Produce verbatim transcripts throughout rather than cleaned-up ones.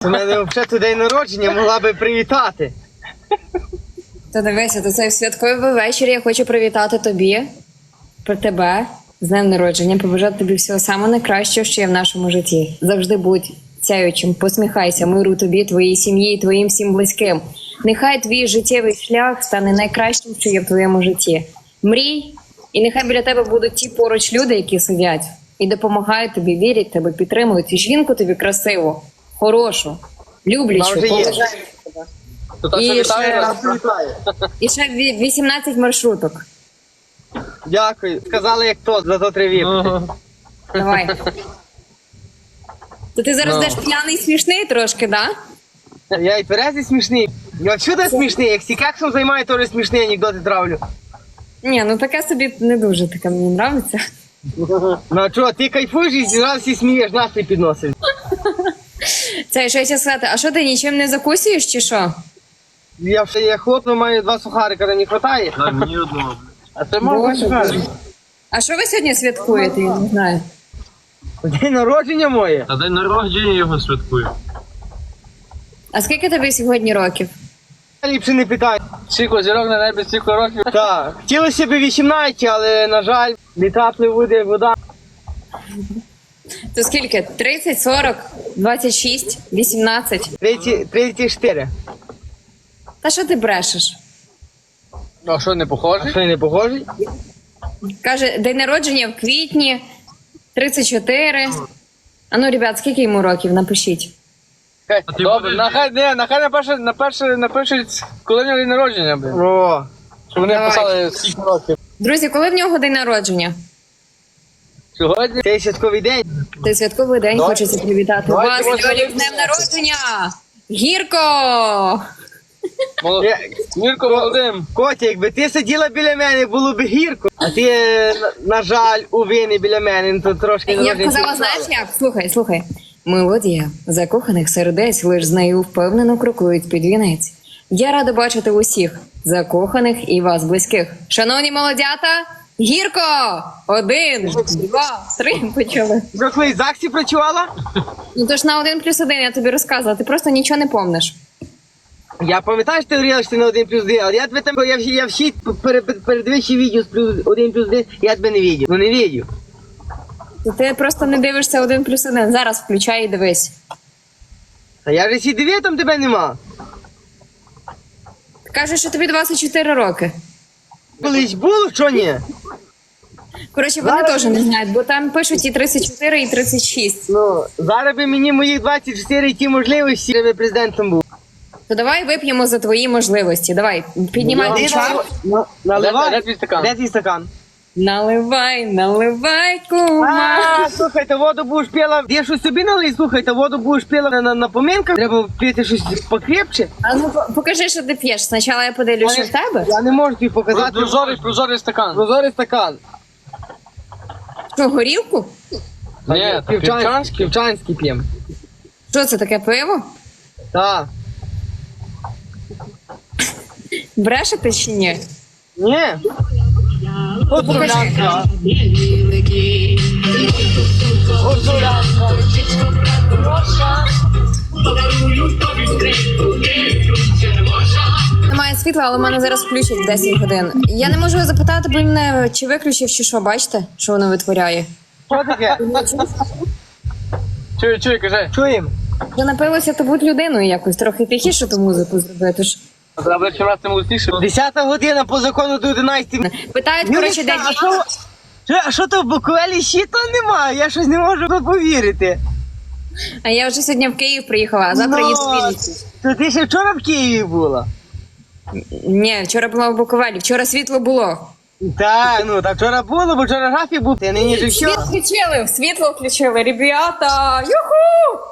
У мене взагалі день народження, могла би привітати. То дивися, то цей святковий вечір я хочу привітати тобі, про тебе, з днем народження, побажати тобі всього самого найкращого, що є в нашому житті. Завжди будь сяючим, посміхайся, миру тобі, твоїй сім'ї і твоїм всім близьким. Нехай твій життєвий шлях стане найкращим, що є в твоєму житті. Мрій, і нехай біля тебе будуть ті поруч люди, які сидять і допомагають тобі, вірять тебе, підтримують. І жінку тобі красиву, хорошу, люблячу, Вона вже є. поважаючу тебе. То так І що вітаю ще- вас. І ще ві- вісімнадцять маршруток. Дякую. Сказали, як то, зато три віпки. Ага. Давай. То ти зараз Ну. йдеш п'яний смішний трошки, да? Я і тверезий смішний. Я всюди смішний, як сікексом займаю, теж смішний анекдоти травлю. Ні, ну таке собі не дуже таке мені нравиться. Ну а чого, ти кайфуєш і зразу всі смієш, настрій підносиш. Це що я ще сказати, а що ти нічим не закусуєш чи що? Я ще я хлопну, маю два сухарика, не вистачає. Дай мені одного. А це Боже, можна сухарик. А що ви сьогодні святкуєте? Я не знаю. День народження моє. Та день народження його святкую. А скільки тобі сьогодні років? Ліпше не питай. Стільки зірок на небі, стільки років. Так, хотілося б вісімнадцять, але, на жаль, літа пливуде вода. То скільки? тридцять, сорок, двадцять шість, вісімнадцять? тридцять, тридцять чотири. Та що ти брешеш? А що, не А похожий? що, я не похожий? Каже, день народження в квітні, тридцять чотири. А ну, ребят, скільки йому років? Напишіть. Хай. А ти Добре, нехай, не, нехай на перше, на перше, напишуть, коли в нього день народження, блін. О, Щоб вони Давай. писали скільки років. Друзі, коли в нього день народження? Сьогодні? цей святковий день. Це святковий день, Давай. хочеться привітати Давай, вас. давай, Льолік, давай. з днем народження! Гірко! Молод... Я- Мірко Володим. Котя, якби ти сиділа біля мене, було б гірко. А ти, на, на жаль, уві не біля мене, ну, то трошки... Я б народження казала, святкувала. знаєш як? Слухай, слухай. Мелодія закоханих сердець лиш з нею впевнено крокують під вінець. Я рада бачити усіх закоханих і вас близьких. Шановні молодята, гірко! Один, два, три почали. Що, колись в ЗАГСі працювала? Ну то ж на один плюс один я тобі розказувала, ти просто нічого не помниш. Я пам'ятаю, що ти говорила, що ти на один плюс один, але я тебе там, я, всі- я всі перед, передвищі відео з плюс один плюс один, я тебе не відео. Ну не відео. Ти просто не дивишся один плюс один. Зараз включай і дивись. А я вже всі дивив, там тебе нема. Кажуть, що тобі двадцять чотири роки. Колись було, що ні? Коротше, вони Зараз- теж не знають, бо там пишуть і тридцять чотири, і тридцять шість. Ну, зараз би мені моїх двадцять чотири і ті можливості, щоб я президентом був. То давай вип'ємо за твої можливості. Давай, піднімай Ти дівчат. на- Наливай. Де- де твій стакан? Де твій стакан? Наливай, наливай, кума. А, слухай, та воду будеш пила. Я щось собі налий, слухай, та воду будеш пила на, на, на поминках. Треба пити щось покрепче. А ну по- покажи, що ти п'єш. Спочатку я подивлюсь, що в тебе. Я не можу тобі показати. Прозорий, прозорий стакан. Прозорий стакан. Що, горілку? Ні, півчанський. Півчанський п'єм. Що це таке пиво? Так. Брешете чи ні? Ні. От Покажи. Немає світла, але в мене зараз включать в десять годин. Я не можу запитати, бо він мене чи виключив, чи що. Бачите, що воно витворяє? Що таке? Чуй, чуй, кажи. Чуємо. Я напилася, то будь людиною якось трохи тихіше ту музику зробити. ж. Треба чим раз тим голосніше. Десята година по закону до одинадцятої. Питають, коротше, де Юлічка, а діти. що? Що- А що то в Буковелі щита немає? Я щось не можу тут повірити. А я вже сьогодні в Київ приїхала, а завтра Ну, їду в Вінницю. То ти ще вчора в Києві була? Ні, вчора була в Буковелі, вчора світло було. Так, ну так вчора було, бо вчора графік був. Ти нині ж Світ вчора. включили, світло включили, ребята! Юху!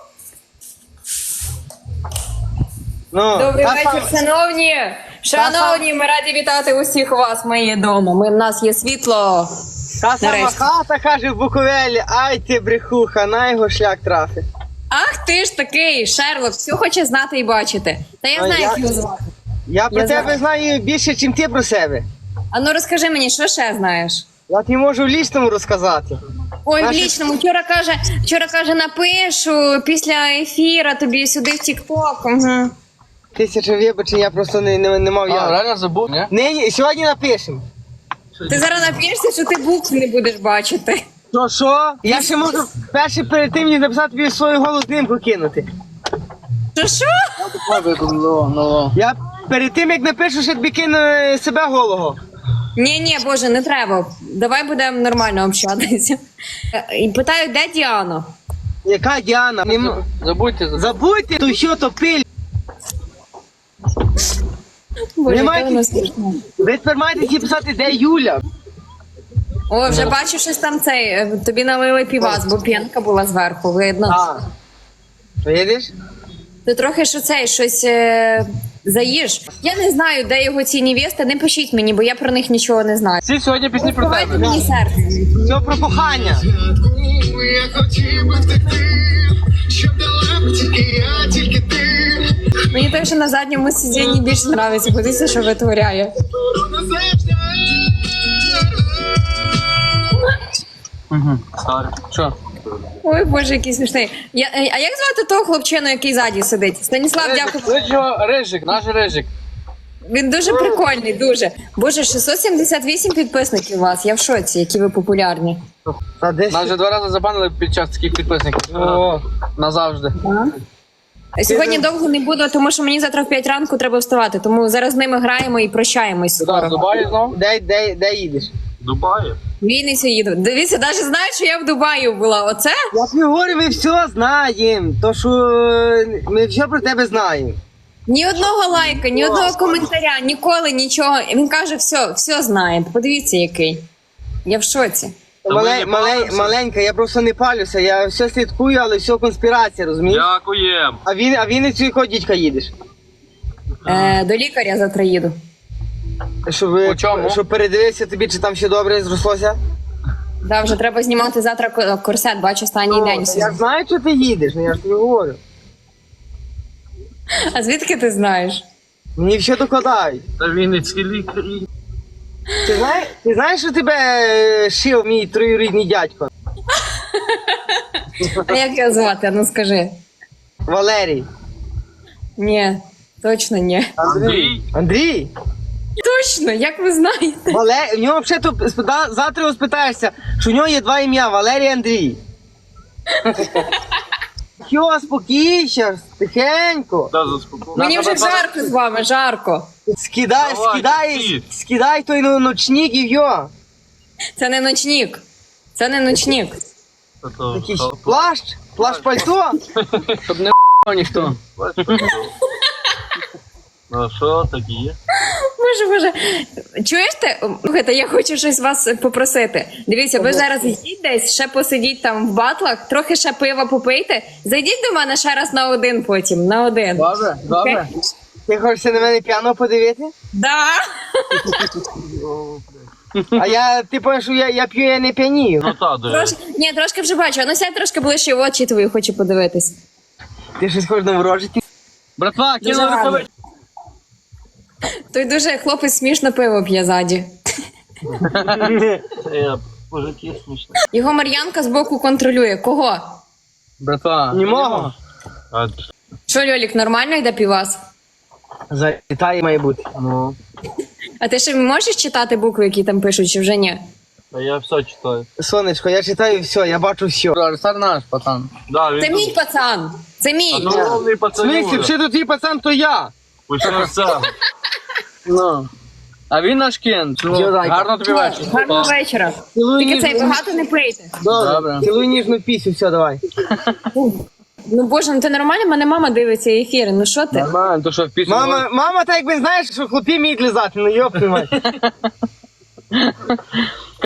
Ну, Добрий та вечір, сам- шановні! Шановні, ми раді вітати усіх вас, мої дома. Ми, в нас є світло. Та сама Нарешті. хата каже в Буковелі, ай ти брехуха, на його шлях трафить. Ах ти ж такий, Шерлок, все хоче знати і бачити. Та я А знаю, я- як його звати. Я про Я тебе знаю. знаю більше, ніж ти про себе. А ну розкажи мені, що ще знаєш? Я тобі можу в лічному розказати. Ой, в Наші- лічному. Вчора каже, вчора каже, напишу після ефіра тобі сюди в Тік-Ток. Угу. Тисяча вибачень, я просто не, не, не мав А, як. реально забув, ні? Нині, сьогодні напишемо. Ти зараз нап'єшся, що ти букв не будеш бачити. Що, що? Я ще можу перше перед тим ніж написати тобі свою голу знімку кинути. Що що? Я перед тим, як напишу, ще тобі кину е, себе голого. Ні, ні, Боже, не треба. Давай будемо нормально общатися. Е, І питаю, де Діана? Яка Діана? Нем- Забудьте. забудьте. Забудьте, то що, то пиль. Боже, Немає яка вона смішна. Ви тепер маєте всі писати, де Юля. О, вже бачу, щось там цей. е, Тобі налили півас, бо п'янка була зверху, видно. А. Видиш? Ти трохи що цей, щось е, заїж. Я не знаю, де його ці невести, не пишіть мені, бо я про них нічого не знаю. Всі сьогодні пісні про Давайте тебе. мені серце. Все про кохання. Я хотів би втекти, щоб дала б тільки я, тільки ти. Мені те, що на задньому сидінні більше подобається, подивіться, що витворяє. Буду назавжди. Що? Ой, Боже, який смішний. Я, е, а як звати того хлопчину, який ззаді сидить? Станіслав, дякую. Клич його Рижик, наш Рижик. Він дуже прикольний, дуже. Боже, шістсот сімдесят вісім підписників у вас. Я в шоці, які ви популярні. Та десь. Нас вже два рази забанили під час таких підписників. О. Назавжди. Сьогодні довго не буду, тому що мені завтра в п'ять ранку треба вставати. Тому зараз з ними граємо і прощаємось Куди, в скоро. Дубаї знову? Де, де, де їдеш? Дубаї. Вінницю їду. Дивіться, навіть знають, що я в Дубаї була. Оце? Я тобі говорю, ми все знаємо. То що е, ми все про тебе знаємо. Ні одного лайка, ні одного коментаря, ніколи нічого. Він каже, все, все знає. Подивіться, який. Я в шоці. Мале, мале, маленька, я просто не палюся, я все слідкую, але все конспірація, розумієш? Дякуєм. А він, а він і цю якого дідька їдеш? Е, до лікаря завтра їду. Щоб, По чому? щоб передивився тобі, чи там все добре зрослося? Да, вже треба знімати завтра ко- корсет, бачу, останній день. Я знаю, що ти їдеш, ну я ж тобі говорю. А звідки ти знаєш? Мені все докладають. Та Вінницький лікарі. Ти знаєш, ти знаєш, що тебе е, шив мій троюрідний дядько? А як його звати? Ну скажи. Валерій. Ні, точно ні. Андрій. Андрій? Точно, як ви знаєте? Вале... В нього взагалі то спита... завтра його спитаєшся, що у нього є два ім'я Валерій і Андрій. Йо, спокійся, тихенько. Да, заспокійся. Мені вже жарко з вами, жарко. Скидай, Давай, скидай, ти. скидай той ну- ночник і йо. Це не ночник. Це не ночник. Та то, Такий то, плащ, плащ пальто. Щоб не ніхто. Ну що такі є? Боже, боже. Чуєш ти? Слухайте, я хочу щось вас попросити. Дивіться, ви зараз йдіть десь, ще посидіть там в батлах, трохи ще пива попийте. Зайдіть до мене ще раз на один потім, на один. Добре, добре. Ти хочеш на мене п'яно подивити? Да. А я, ти пам'ятаєш, що я, я п'ю, я не п'янію. Ну та, де. Трош... Ні, трошки вже бачу. А ну сядь трошки ближче в очі твої, хочу подивитись. Ти щось хочеш наворожити? Братва, Дуже кинули гарно. рукавички. Той дуже хлопець смішно пиво п'є ззаді. Е, Мужики смішно. Його Мар'янка збоку контролює. Кого? Братва. Німого. А, Що, Льолік, нормально йде півас? Залітає має бути. ну, А ти ще можеш читати букви, які там пишуть, чи вже ні? а я все читаю. Сонечко, я читаю все, я бачу все. Арсар наш, пацан. Да, він Це тут. мій пацан. Це мій. А ну, головний В смислі, пацанюга. ще тут твій пацан, то я. Почався. Ну. А він наш кент. Ну, Дядайка. гарно тобі вечір. Гарного вечора. Цілуй Тільки цей ніжну- багато не пийте. Добре. Добре. Цілуй ніжну пісню, все, давай. Ну боже, ну ти нормально? Мене мама дивиться ефіри. Ну що ти? Нормально, то що в пісню. Мама, мама, так якби знаєш, що хлопці вміють лизати, ну йоп, твою мать.